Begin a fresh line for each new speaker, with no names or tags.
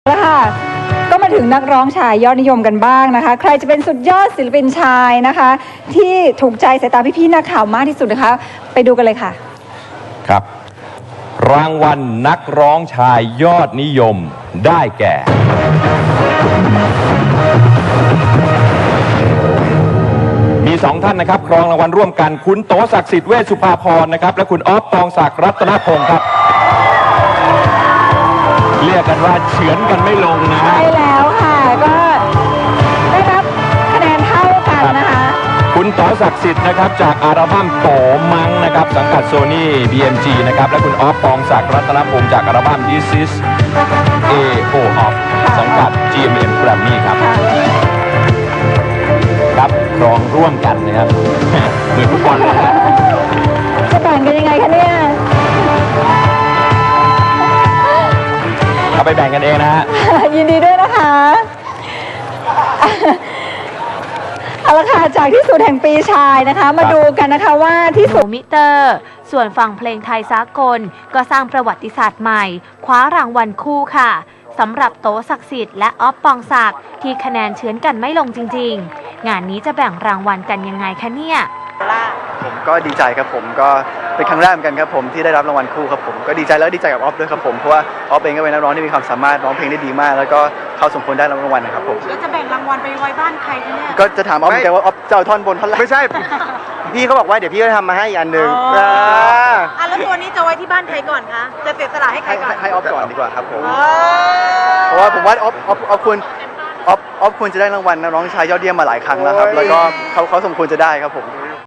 แล้วค่ะก็มาถึงนักร้องชายยอดนิยมกันบ้างนะคะใครจะเป็นสุดยอดศิลปินชายนะคะที่ถูกใจสายตาพี่ๆนักข่าวมากที่สุดนะคะไปดูกันเลยค่ะ
ครับรางวัลนักร้องชายยอดนิยมได้แก่มีสองท่านนะครับครองรางวัลร่วมกันคุณโตศักดิ์สิทธิ์เวชสุภาพรนะครับและคุณอ๊อฟปองศักดิ์รัตนพงศ์ครับเรียกกันว่าเฉือนกันไม่ลงนะฮะ
ใช่แล้วค่ะก็ได้รับคะแนนเท่ากันนะคะ
คุณโตศักดิ์สิทธิ์นะครับจากอัลบั้มโตมังนะครับสังกัดโซนี่ BMG นะครับและคุณอ๊อฟปองศักดิ์รัตนพงศ์จากอัลบั้ม This is A.O. Off สังกัด GMM Grammy ครับครับครองร่วมกันนะครับเหมือนฟุตบอลเลยนะ
จะแบ่งกันยังไงคะเนี่ย
เอาไปแบ่งกันเองนะฮะ
ยินดีด้วยนะคะเอาละค่ะจากที่สุดแห่งปีชายนะคะมาดูกันนะคะว่าที่สุด
มิเตอร์ส่วนฝั่งเพลงไทยสากลก็สร้างประวัติศาสตร์ใหม่คว้ารางวัลคู่ค่ะสำหรับโตศักดิ์สิทธิ์และอ๊อฟปองศักดิ์ที่คะแนนเฉือนกันไม่ลงจริงๆงานนี้จะแบ่งรางวัลกันยังไงคะเนี่ย
ผมก็ดีใจครับผมก็เป็นครั้งแรกเหมือนกันครับผมที่ได้รับรางวัลคู่ครับผมก็ดีใจแล้วดีใจกับออฟด้วยครับผมเพราะว่าออฟเองก็เป็นนักร้องที่มีความสามารถร้องเพลงได้ดีมากแล้วก็เขาสมควรได้รางวัลนะครับผม
แล้วจะแบ่งรางวัลไปไว้บ้านใครคะเนี่ย
ก็จะถามออฟเหมือนกันว่าออฟจะเอาท่อนบนท่อนล่าง
ไม่ใช่พี่เขาบอกว่าเดี๋ยวพี่จะทำมาให้อีกอันหนึ่ง
แล้วตัวนี้จะไว้ที่บ้านใครก่อนคะจะเสียสละให้ใครก่อน
ให้ออฟก่อนดีกว่าครับผมเพราะว่าผมว่าออฟควรจะได้รางวัลนักร้องชายยอดเยี่ยมมาหลายครั้งแล้วครับแล้วก็เขาสมควรจะได้ครับผม